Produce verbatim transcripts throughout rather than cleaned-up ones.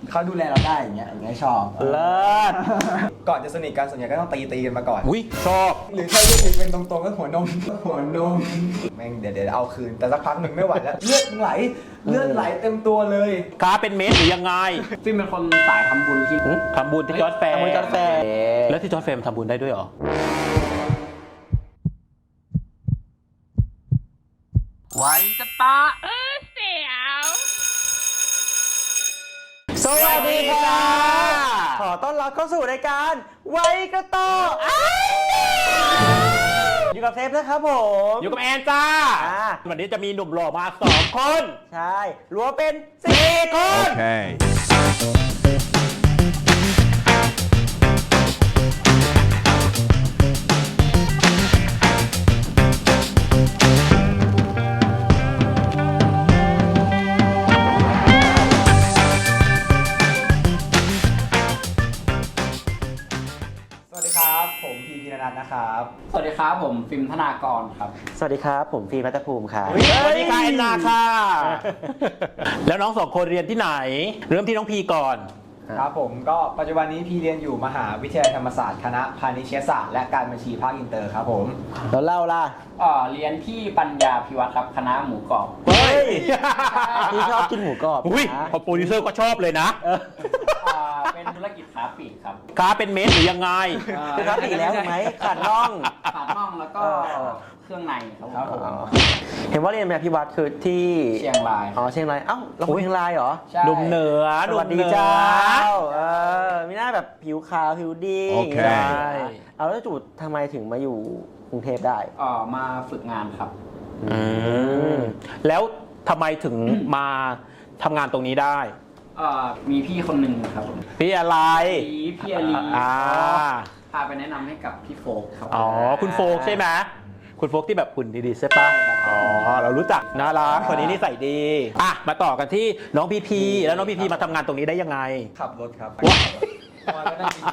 เขาดูแลเราได้อย่างเงี้ยอย่างเงี้ยชอบเลิศก่อนจะสนิทกันส่วนใหญ่ก็ต้องตีตีกันมาก่อนอุ้ยชอบหรือถ้าเรียกเป็นตรงๆก็หัวนมหัวนมแม่งเดี๋ยวเดี๋ยวเอาคืนแต่สักพักหนึ่งไม่ไหวแล้วเลือดไหลเลือดไหลเต็มตัวเลยค้าเป็นเม็ดหรือยังไงฟิล์มเป็นคนสายทำบุญที่หึทำบุญที่จอร์จแฟร์ทำบุญจอร์จแฟร์แล้วที่จอร์จแฟร์มันทำบุญได้ด้วยเหรอไว้จะตาเออเสียวสวัสดีค่ะขอต้อนรับเข้าสู่รายการไว้กระต่ออยู่กับเซฟนะครับผมอยู่กับแอนจ้าวันนี้จะมีหนุ่มหล่อมาสองคนใช่รวมเป็นสี่คน Okay. สวัสดีครับผมพีพีนนัทนะครับสวัสดีครับผมฟิล์มธนากรครับสวัสดีครับผมฟีมัตตภูมิครับสวัสดีค่ะแอนนาค่ะ แล้วน้องสองคนเรียนที่ไหน เริ่มที่น้องพีก่อนครับผมก็ปัจจุบันนี้พี่เรียนอยู่มหาวิทยาลัยธรรมศาสตร์คณะพาณิชยศาสตร์และการบัญชีภาคอินเตอร์ครับผมแล้วเล่าล่ะเอ่อเรียนที่ปัญญาพิวัตรครับคณะหมูกรอบเฮ้ยพี่ชอบกินหมูกรอบอุ้ยนะพอโปรดิวเซอร์ก็ชอบเลยนะเอออ่าเป็นธุรกิจค้าปลีกครับค้าเป็นเม็ดหรือยังไงคือครับอีกแล้วถูกไหมขาดน่องปากน่องแล้วก็เครื่องในครับครับผผม มเห็นว่าเรียนแบบพิวัตรคือที่เชียงรายอ๋อเชียงรายเอ้าเราคนเชียงรายเหรอใช่หนุ่มเหนือสหนุ่วัมสเหดีนือเจ้าเออมีหน้าแบบผิวขาวผิวดีโอเคย่างงี้นะเอาแล้วจูดทำไมถึงมาอยู่กรุงเทพได้เอ่อมาฝึกงานครับอืมแล้วทำไมถึงมาทำงานตรงนี้ได้เอ่อมีพี่คนหนึ่งครับผมพี่อะไรพี่พี่อาลีอ่าพาไปแนะนำให้กับพี่โฟกครับอ๋อ คุณโฟกใช่ไหมคุณโฟกที่แบบหุ่นดีๆใช่ปะอ๋อ เรารู้จักน่ารักคนนี้นิสัยดี อ่ะ มาต่อกันที่น้องพีพีแล้วน้องพีพีมาทำงานตรงนี้ได้ยังไงขับรถครับว้ายมาแล้วนั่ง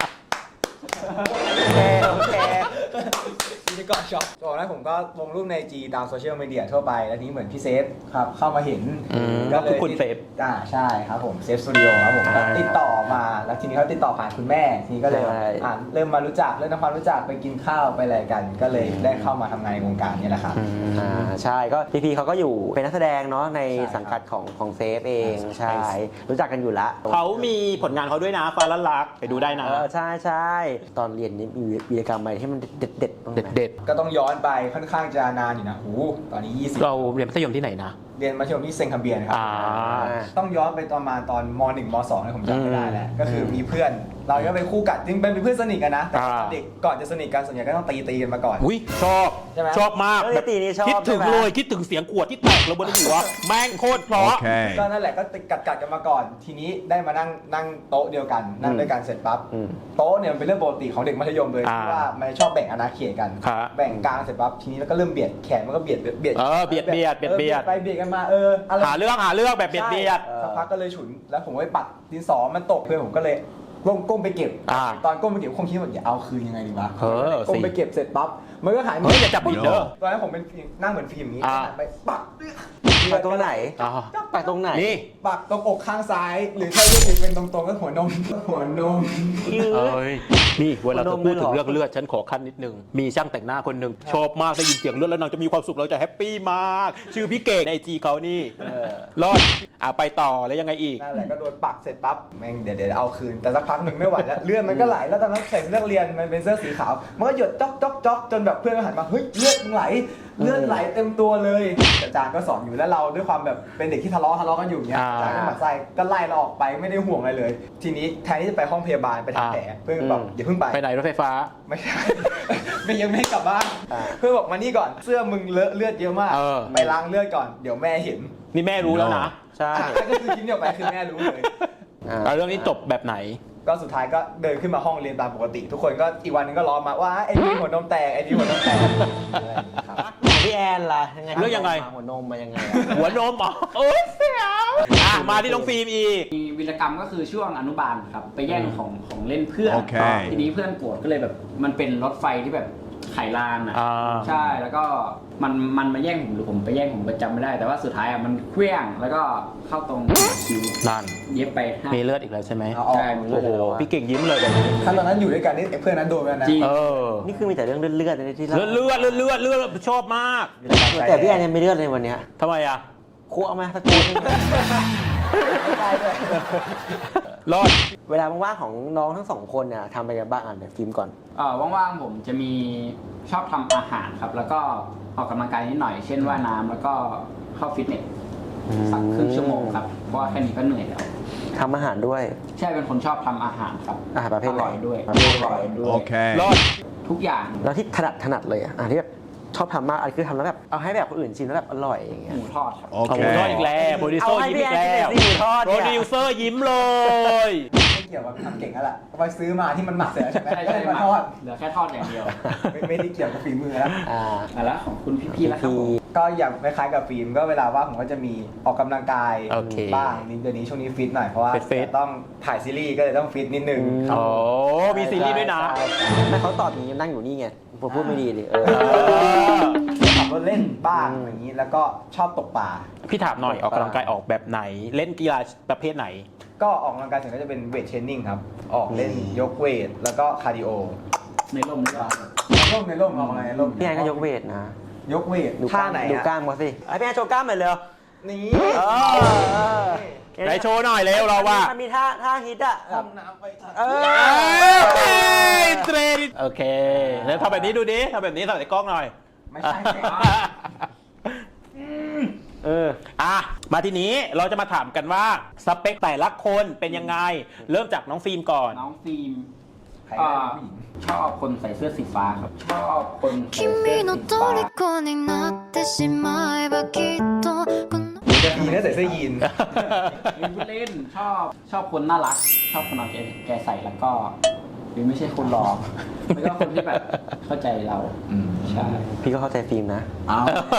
โอเคโอเคจีเอสก็ช็อปตอนนั้นผมก็ลงรูปในจีตามโซเชียลมีเดียทั่วไปแล้วทีนี้เหมือนพี่เซฟครับเข้ามาเห็นอืมก็คือคุณเซฟอ่าใช่ครับผมเซฟสตูดิโอครับผมก็อ่าติดต่อมาแล้วทีนี้เขาติดต่อผ่านคุณแม่ทีนี้ก็เลยใช่อ่าเริ่มมารู้จักเริ่มทำความรู้จักไปกินข้าวไปอะไรกัน ก็เลยได้เข้ามาทำงานในวงการนี้แหละครับอ่าใช่ก็พีพีเขาก็อยู่เป็นนักแสดงเนาะในใช่ครับสังกัดของของเซฟเองใช่ใช่รู้จักกันอยู่ละเขามีผลงานเขาด้วยนะฟ้าละลักไปดูได้นะเออใช่ใช่ตอนเรียนนี่มีวีรกรรมอะไรที่มันเด็ดเด็ดๆบ้างไหมเด็ดก็ต้องย้อนไปค่อนข้างจะนานอยู่นะหูตอนนี้ยี่สิบๆ เราเรียนมัธยมที่ไหนนะเรียนมัธยมที่เซนต์คัมเบียนครับอ่าต้องย้อนไปตอนมาตอนมหนึ่งมสองนะผมจำไม่ได้แล้วอืมก็คือมีเพื่อน เราก็เป็นคู่กัดจริงเป็นเพื่อนสนิทกันนะแต่อ่าเด็กก่อนจะสนิทกันส่วนใหญ่ก็ต้องตีตีกันมาก่อนอุ้ยชอบใช่ไหมชอบมากเอ้ยตีนี่ชอบคิดถึงใช่ไหมเลยคิดถึงเสียงขวดที่แตกระเบิดหัวแม่งโคตรเพราะ Okay. ก็นั่นแหละก็กัดกัดกันมาก่อน ทีนี้ได้มานั่งนั่งโต๊ะเดียวกันนั่งด้วยกันเสร็จปั๊บอืมโต๊ะเนี่ยมันเป็นเรื่องปกติของเด็กมัธยมเลยอ่าที่ว่ามันชอบแบ่งอาณาเขตกันครับแบ่งกลางเสร็จปั๊บทีนี้แล้วก็เริ่มเบียดแขนมันก็เบียดเบียดเบียดเออเบียดเบียดเบียดเบียดออไปเบียดกันมาเอออะไรหาเรื่องหาเรื่องแบบเบียดเบียดใช่สักพักก็เลยฉุนแล้วผมก็ไปปัดดินสอมันตกเพื่อนผมก็เลยก้มก้มไปเก็บอ่าตอนก้มไปเก็บคงคิดว่าอย่าเอาคืนยังไงดีวะเออก้มสิไปเก็บเสร็จปั๊บมันก็หายเฮ้ยอย่าจับผิดเด้อตอนนั้นผมเป็นนั่งเหมือนฟิล์มอย่างนี้อ่าไปปักปักตรงไหนอ๋อปักตรงไหนนี่ปักตรงอกข้างซ้าย หรือถ้าเรียกเป็นตรงๆก็หัวนมหัวนมเอ้ยนี่เวลาเธอพูดถึงคนนมเลยเหรอเรื่องเลือดฉันขอขั้นนิดนึงมีช่างแต่งหน้าคนหนึ่งชอบมากได้ยินเสียงเลือดแล้วนางจะมีความสุขเราจะแฮปปี้มาก ชื่อพี่เก่งในไอจีเขานี่รอดอ่ะไปต่อแล้วยังไงอีกนั่นแหละก็โดนปักเสร็จปั๊บแม่งเดี๋ยวเดี๋ยวเอาคืนแต่สักพักหนึ่งไม่ไหวแล้วเลือดมันก็ไหลแล้วตอนนั้นใส่เสื้อเรียนมันเป็นเสื้อสีขาวมันก็หยดจ๊อกจ๊อกจ๊อกจนแบบเพื่อนก็หันมาเฮ้ยเลือดมึงไหลเลือดไหลเต็มตัวเลยแต่อาจารย์ก็สอนอยู่แล้วเราด้วยความแบบเป็นเด็กที่ทะเลาะทะเลาะกันอยู่เนี้ยอ่าอาจารย์ก็หมั่นไส้ก็ไล่เราออกไปไม่ได้ห่วงอะไรเลย ทีนี้แทนที่จะไปห้องพยาบาลไปทำแผลเพื่อนก็บอกอย่าเพิ่งไปไปไหนรถไฟฟ้าไม่ใช่ ไม่ยังไม่ให้กลับบ้านอ่าเพื่อนบอกมานี่ก่อนเสื้อมึงเลอะเลือดเยอะมากเออไปล้างเลือดก่อนเดี๋ยวแม่เห็นนี่แม่รู้แล้วนะใช่อ่ะก็คือคลิปนี้ออกไปคือแม่รู้เลยอ่าแล้วเรื่องนี้จบแบบไหนก็สุดท้ายก็เดินขึ้นมาห้องเรียนตามปกติ ทุกคนก็อีกวันนึงก็ล้อมาว่าไอ้นี่หัวนมแตกไอ้นี่หัวนมแตกอะไรอย่างเงี้ยครับของพี่แอนล่ะยังไงเรื่องยังไงหัวนมมายังไงอะหัวนมเหรอโอ้ยเสียวอ่ะมาที่น้องฟิล์มอีกมีวีรกรรมก็คือช่วงอนุบาลครับไปแย่งของของเล่นเพื่อนโอเคทีนี้เพื่อนโกรธก็เลยแบบมันเป็นรถไฟที่แบบไขลานอ่ะอ่าใช่แล้วก็มันมันมาแย่งผมหรือผมไปแย่งผมก็จำไม่ได้ แต่ว่าสุดท้ายอ่ะมันเคลื่องแล้วก็เข้าตรงคิ้วนั่นเย็บไปห้ามีเลือดอีกแล้วใช่ไหมเอาออกใช่โอ้โหพี่เก่งยิ้มเลยแบบนี้ถ้าตอนนั้นอยู่ด้วยกันนี่ไอ้เพื่อนนั้นโดนไปแล้วนะจริงเออนี่คือมีแต่เรื่องเลือดๆนะที่เลือดเลือดเลือดเลือดเลือดชอบมากแต่พี่แอนยังไม่เลือดเลยวันเนี้ยทำไมอ่ะคุเอามาสักคนได้ด้วยรอดเวลาว่างๆของน้องทั้งสองคนเนี่ยทำอะไรกันบ้างอ่านแบบฟิล์มก่อนเอ่อว่างๆผมจะมีชอบทำอาหารครับ แล้วก็ออกกำลังกายนิดหน่อย เช่นว่ายน้ำแล้วก็เข้าฟิตเนสสักครึ่งชั่วโมงครับเพราะว่าแค่นี้ก็เหนื่อยแล้วทำอาหารด้วยใช่เป็นคนชอบทำอาหารครับอาหารประเภทไหนอร่อยด้วยประเภทไหนอร่อยด้วย Okay. รอดทุกอย่างแล้วที่ถนัดถนัดเลยอ่ะอ่ะที่แบบชอบทำมากอันคือทำแล้วแบบเอาให้แบบคนอื่นชิมแล้วแบบอร่อยอย่างเงี้หยมูทอดครับเอาหมูทอดอีก Okay. แล้วโปรดิวเซอเอาร์ให้ยิ้มพี่อีแอก นแล้วกินหมูทอดโปรเนี่ยดิวเซอร์ยิ้มเลยไม่เกี่ยวกับทำเก่งแล้วล่ะไปซื้อมาที่มันหมักเสร็จแล้วใช่ไหมใช่ใช่มาทอดเหลือแค่ทอดอย่างเดียวไม่ไม่ได้เกี่ยวกับฝีมือแล้วอ่าอ่ะแล้วของคุณพี่ๆแล้วครับผมก็อย่างคล้ายๆกับฟิล์มก็เวลาว่างผมก็จะมีออกกำลังกายโอเคบ้างนิดเดี๋ยวนี้ช่วงนี้ฟิตหน่อยเพราะว่าฟิตๆต้องถ่ายซีรีส์ก็เลยต้องฟิตนิดนึงอืมครับโอ้มีซีรีส์ด้วยนะใช่ใช่ไม่เขาตอบอย่างนี้นั่งอยู่นี่ไงผมพูดไม่ดีเลยเออเออขับรถเล่นบ้างอืมอย่างนี้แล้วก็ชอบตกปลาพี่ถามหน่อยออกกำลังกายออกแบบไหน เล่นกีฬาประเภทไหนก็ออกกำลังกายเสร็จก็จะเป็นเวทเทรนนิ่งครับ ออกเล่นยกเวท แล้วก็คาร์ดิโอในร่มหรือเปล่าในร่มในร่มออกกำลังกายในร่มพี่แอนก็ยกเวทนะยกเวทดูกท่าล้ามไหนดูกล้าอะมมาสิไอ้พี่แอนโชว์กล้ามหน่อยเร็วนี่เออไหนโชว์หน่อยเร็วเราว่ามันมีท่าท่าฮิตอ่ะห้องน้ำไปทางเออเทรนโอเคแล้วทำแบบนี้ดูดิทำแบบนี้ใส่กล้องหน่อยไม่ใช่สิเอออ่ะมาทีนี้เราจะมาถามกันว่าสเปคแต่ละคนเป็นยังไง เริ่มจากน้องฟิล์มก่อนน้องฟิล์มใครก็ได้ผู้หญิงชอบคนใส่เสื้อสีฟ้าครับ ชอบคนใส่เสื้อสี君のฟ้า虜になってしまえばきっとこのจะดีนะใส่เสื้อยีนวินพูดเล่นชอบชอบคนน่ารัก ชอบคนเอาแกแกใส่แล้วก็วินไม่ใช่คนหลอกแล้วก็คนที่แบบเข้าใจเราใช่พี่ก็เข้าใจฟิล์มนะเอา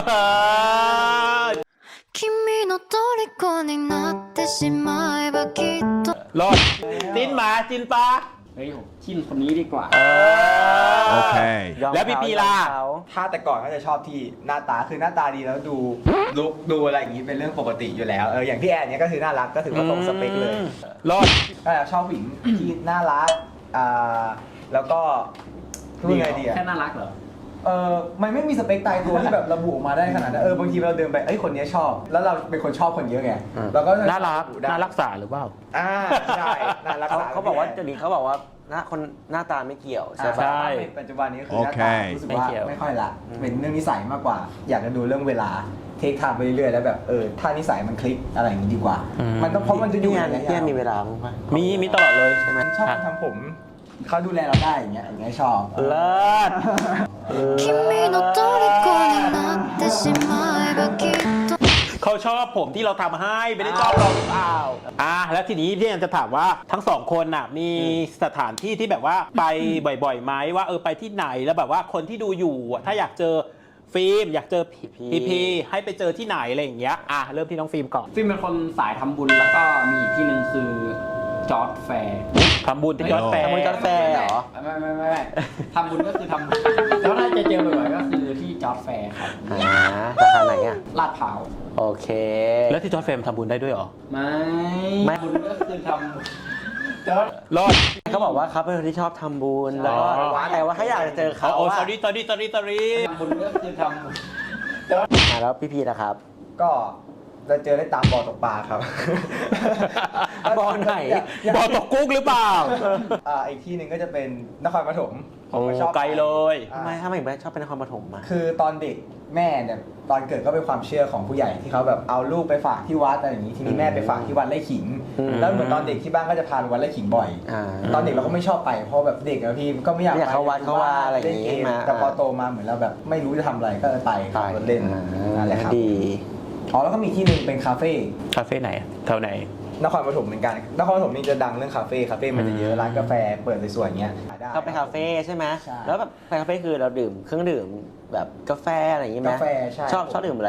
君の虜になってしまえばきっとรอดจินหมาจินปลาเฮ้ยผมชินคนนี้ดีกว่าเออ Okay. ยอมแล้วพี่เขาปีล่ะยอมเขาถ้าแต่ก่อนก็จะชอบที่หน้าตาคือหน้าตาดีแล้วดูลุกดูอะไรอย่างนี้เป็นเรื่องปกติอยู่แล้วเอออย่างพี่แอนเนี้ยก็คือน่ารักก็ถือว่าตรงสเปคเลยรอดก็ชอบผู้หญิงที่น่ารักอ่าแล้วก็พูดไงดีอะแค่น่ารักเหรอเออมันไม่มีสเปคตายตัวที่แบบระบุออกมาได้ขนาดนั้นเออบางทีเราเดินไปเอ้ยคนนี้ชอบ แล้วเราเป็นคนชอบคนเยอะไงเราก็จะน่ารักระบุได้น่ารักษาหรือเปล่าอ่าใช่น่ารักเขาษเขาบอกว่าเดี๋ยวนี้เขาบอกว่าหน้าคนหน้าตาไม่เกี่ยวใช่ใช่ปะใช่ปัจจุบันนี้คือหน้าโอเคตารู้สึกว่าไม่เกี่ยวไม่ค่อยละเป็นเรื่องนิสัยมากกว่า อยากจะดูเรื่องเวลาเทคไทม์ไปเรื่อยๆแล้วแบบเออถ้านิสัยมันคลิกอะไรอย่างนี้ดีกว่า มันต้องเพราะมันจะอยู่พี่แอนระยะพี่แอนยาวมีเวลาบ้างปะมีมีตลอดเลยใช่ไหมชอบทำผมเขาดูแลเราได้อย่างเงี้ยอย่างเงี้ยชอบเลิศ君の虜になってしまえばきっとเขาชอบผมที่เราทำให้ไม่ได้ชอบเราหรือเปล่าอ่ะแล้วทีนี้พี่แอนจะถามว่าทั้งสองคนน่ะมีสถานที่ที่แบบว่าไปบ่อยๆไหมว่าเออไปที่ไหนแล้วแบบว่าคนที่ดูอยู่อ่ะถ้าอยากเจอฟิล์มอยากเจอพีพีให้ไปเจอที่ไหนอะไรอย่างเงี้ยอ่ะเริ่มที่น้องฟิล์มก่อนฟิล์มเป็นคนสายทำบุญแล้วก็มีอีกที่หนึ่งคือจอร์ดแฟร์ทำบุญที่ยอดแฟร์ทำบุญจอร์จแฟร์เหรอไม่ไม่ไม่ไม่ทำบุญก็คือทำบุญแล้วถ้าจะเจอบ่อยๆก็คือที่จอร์ดแฟร์ครับอ่าราคาไหนอ่ะลาดพร้าวโอเคแล้วที่จอร์จแฟร์ทำบุญได้ด้วยเหรอไม่ไม่บุญก็คือทำจอร์ดรอดเขาบอกว่าเขาเป็นคนที่ชอบทำบุญใช่แล้วก็แต่ว่าถ้าอยากจะเจอเขาโอ้อะ sorry sorry sorry sorry ทำบุญก็คือทำบุญอ่ะแล้วพี่พีนะครับก็เราเจอได้ตามบ่อตกปลาครับบ่อไหนบ่อตกกุ้งหรือเปล่าอ่าอีกที่หนึ่งก็จะเป็นนครปฐมผโอ้มก็ชอบไกลเลยอ่าทำไมทำไมถึงชอบเป็นนครปฐมมาคือตอนเด็กแม่เนี่ยตอนเกิดก็เป็นความเชื่อของผู้ใหญ่ที่เขาแบบเอาลูกไปฝากที่วัดอะไรอย่างนี้ทีนี้แม่ไปฝากที่วัดไร่ขิงอืมแล้วเหมือนตอนเด็กที่บ้านก็จะพาไปวัดไร่ขิงบ่อยอ่าตอนเด็กเราก็ไม่ชอบไปเพราะแบบเด็กอะพี่ก็ไม่อยากไม่อยากเข้าวัดเข้าว่าอะไรอย่างงี้เล่นเกมมาแต่พอโตมาเหมือนเราแบบไม่รู้จะทำอะไรก็ไปขับรถเล่นอ่านั่นแหละครับดีอ๋อแล้วก็มีที่หนึ่งเป็นคาเฟ่คาเฟ่ไหนอะแถวไหนนครปฐมเหมือนกันนครปฐมนี่จะดังเรื่องคาเฟ่คาเฟ่มันจะเยอะร้านกาแฟเปิดสวยๆอย่างเงี้ยได้ก็ไปคาเฟ่ใช่ไหมใช่แล้วแบบไปคาเฟ่คือเราดื่มเครื่องดื่มแบบกาแฟอะไรอย่างงี้ไหมกาแฟใช่ชอบชอบดื่มอะไรอ่ะ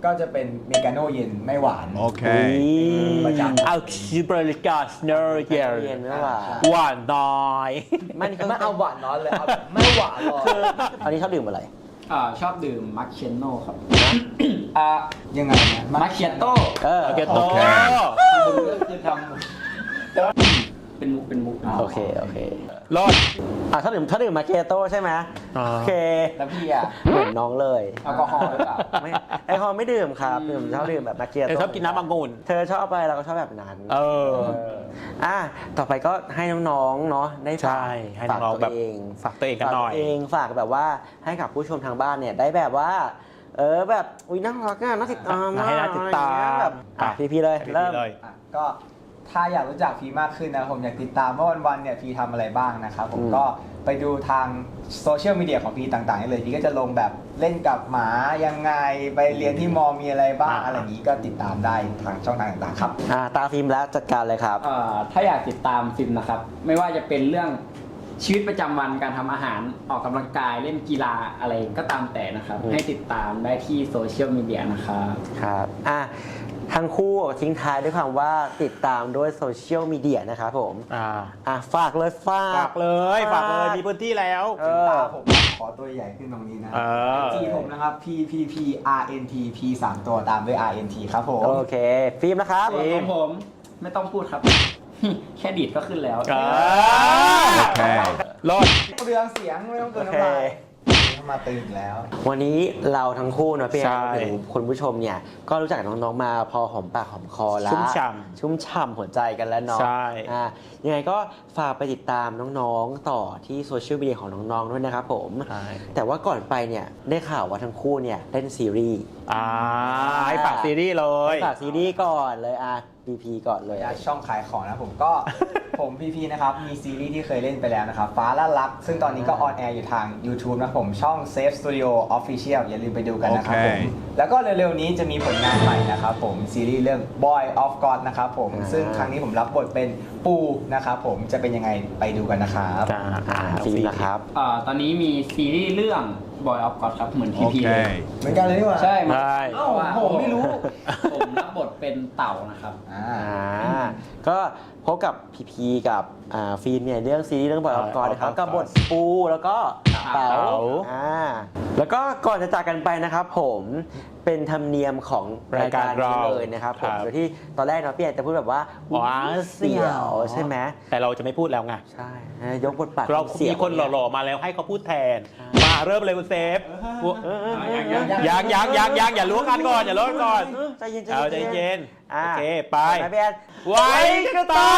ก็จะเป็นเมกาโน่เย็นไม่หวาน Okay. ประจำเอาคิบริกาสเนอร์เยเย็นไม่หวานหวานน้อยไม่นี่ก็ไม่เอาหวานน้อยเลยเอาแบบไม่หวานหรอกอันนี้ชอบดื่มอะไรอ่าชอบดื่มมัคเชนโน่ครับอ่ายังไงนะมัคเชียโต้เออโอเคโตคุณก็คือทำแต่ว่าเป็นมุกเป็นมุกโอเคโอเครอดอ่ะถ้าดื่มถ้าดื่มมาเกโต้ใช่ไหมอ่าโอเคแล้วพี่อ่ะเหมือนน้องเลยแอลกอฮอล์หรือเปล่าไม่แอลกอฮอล์ไม่ดื่มครับดื่มชอบดื่มแบบมาเกเธอโต้ชอบกินน้ำองุ่นเธอชอบอะไรเราก็ชอบแบบนั้นเอออ่ะต่อไปก็ให้น้องๆเนาะได้ฝากใช่ให้น้องๆฝากแบตับวเองฝากตัวเองกันหน่อยฝากตัวเองฝากแบบว่าให้กับผู้ชมทางบ้านเนี่ยได้แบบว่า เออแบบอุ้ยน่ารักอ่ะน่าติดตามให้น่าติดตามอะไรอย่งเงี้ยแบบอ่ะอ่ะพี่ๆเลยให้พี่เริ่มเลยอ่ะก็ถ้าอยากรู้จักพีมากขึ้นนะผมอยากติดตามว่าวันๆเนี่ยพีทำอะไรบ้างนะครับผมอืมก็ไปดูทางโซเชียลมีเดียของพีต่างๆได้เลยพีก็จะลงแบบเล่นกับหมายังไงไปเรียนที่มอมีอะไรบ้างอ่าอะไรอย่างนี้ก็ติดตามได้ทางช่องทางต่างๆครับอ่ะตาฟิล์มแล้วจัดการเลยครับเอ่อถ้าอยากติดตามฟิล์มนะครับ ไม่ว่าจะเป็นเรื่องชีวิตประจำวันการทำอาหารออกกำลังกายเล่นกีฬาอะไรก็ตามแต่นะครับอืมให้ติดตามได้ที่โซเชียลมีเดียนะครับครับอ่ะทั้งคู่ทิ้งท้ายด้วยคำว่าติดตามด้วยโซเชียลมีเดียนะครับผมอ่าอ่ะฝากเลยฝากฝากเลยฝากเลยมีพื้นที่แล้วเอตาอผมขอตัวใหญ่ขึ้นตรงนี้นะเออจีผมนะครับ P P P R N T P สามตัวตามด้วย R N T ครับผมโอเค ฟิล์มนะครับส่วนของผมไม่ต้องพูดครับ แค่ดีดก็ขึ้นแล้วอ่าโอเครอดเรืองเสียงไม่ต้องเกินน้ำลายเข้ามาตื่นแล้ววันนี้เราทั้งคู่เนอะพี่แอใช่นถึงคุณผู้ชมเนี่ย ก็รู้จักกับน้องๆมาพอหอมปากหอมคอแล้วชุ่มฉ่ำชุ่มฉ่ำหัวใจกันแล้วเนาะใช่อ่ะยังไงก็ฝากไปติดตามน้องๆต่อที่โซเชียลมีเดียของน้องๆด้วยนะครับผมใช่แต่ว่าก่อนไปเนี่ยได้ข่าวว่าทั้งคู่เนี่ยเล่นซีรีส์อ่าให้ฝากซีรีส์เลยฝากซีรีส์ก่อนเลยอ่ะ บี พี ก่อนเลยอยากช่องขายของนะผมก็ ผมพีพีนะครับ มีซีรีส์ที่เคยเล่นไปแล้วนะครับ ฟ้าละลัก ซึ่งตอนนี้ก็ออนแอร์อยู่ทาง YouTube นะครับผมช่อง Safe Studio Official อย่าลืมไปดูกันนะครับผมโอเคแล้วก็เร็วๆนี้จะมีผลงานใหม่นะครับผม ซีรีส์เรื่อง Boy of God นะครับผมอ่าซึ่งครั้งนี้ผมรับบทเป็นปูนะครับผมจะเป็นยังไงไปดูกันนะครับจ้าอ่ะฟิล์มนะครับเอ่อตอนนี้มีซีรีส์เรื่อง Boy of God ครับเหมือนพีพีเลยเหมือนกันเลยนี่หว่าใช่ใช่เอ้าผมไม่รู้ผมรับบทเป็นเต่านะครับอ่าอ่าก็พบกับพีพีกับอ่าฟิล์มเนี่ยเรื่องซีรีส์เรื่องบอยออฟกอร์นะครับ Boy of กับบท God ปูแล้วก็เต๋าเต๋าอ่าแล้วก็ก่อนจะจากกันไปนะครับผมเป็นธรรมเนียมของรายการนี้เลยนะครับผมครับโดยที่ตอนแรกเนาะพี่แอนจะพูดแบบว่าว้าเสียวใช่ไหมแต่เราจะไม่พูดแล้วไงใช่ยกบทบาทเราเสีมียวคนหล่อๆมาแล้วให้เขาพูดแทน มาเริ่มเลยคุณเซฟเออเออเออยังยังยังยังอย่าล้วงกันก่อนอย่าล้วงกันก่อนเออใจเย็นเอาใจเย็นอ่าโอเคไปไปพี่แอนไว้กระตา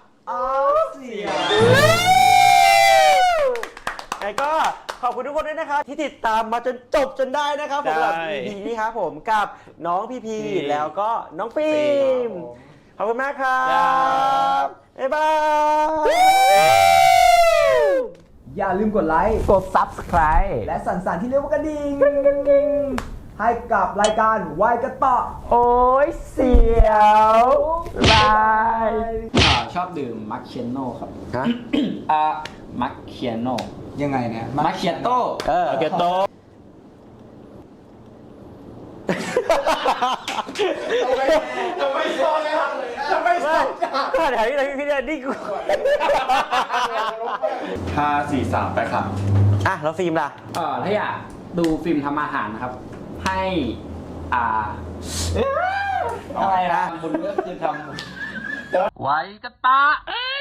ไงก็ขอบคุณทุกคนด้วยนะครับที่ติดตามมาจนจบจนได้นะครับผมใช่กับ อี พี นี้ครับผมกับน้องพีพีพีแล้วก็น้องฟิล์มขอบคุณมากครัครับ บบ๊ายบายอย่าลืมกดไลค์กด ซับสไครบ์และสั่นๆที่เรียกว่ากระดิ่งให้กับรายการวายกระต่อโอ้ยเสียวบายเอ่อชอบดื่มมัคเชียโน่ครับฮะอ่ามัคเชียโน่ยังไงเนี่ยมัคเชียโต้เออโอเคโตจะไม่ชอบเลยจะไม่ชอบก็ถ่ายที่ไหนพี่เนี่ยนี่กูห้าสี่สามไปครับอ่ะแล้วฟิล์มล่ะเอ่อถ้าอยากดูฟิล์มทำอาหารนะครับ ให้อ่าอะไรนะทำบุญก็คือทำไว้กระตาเอ้ย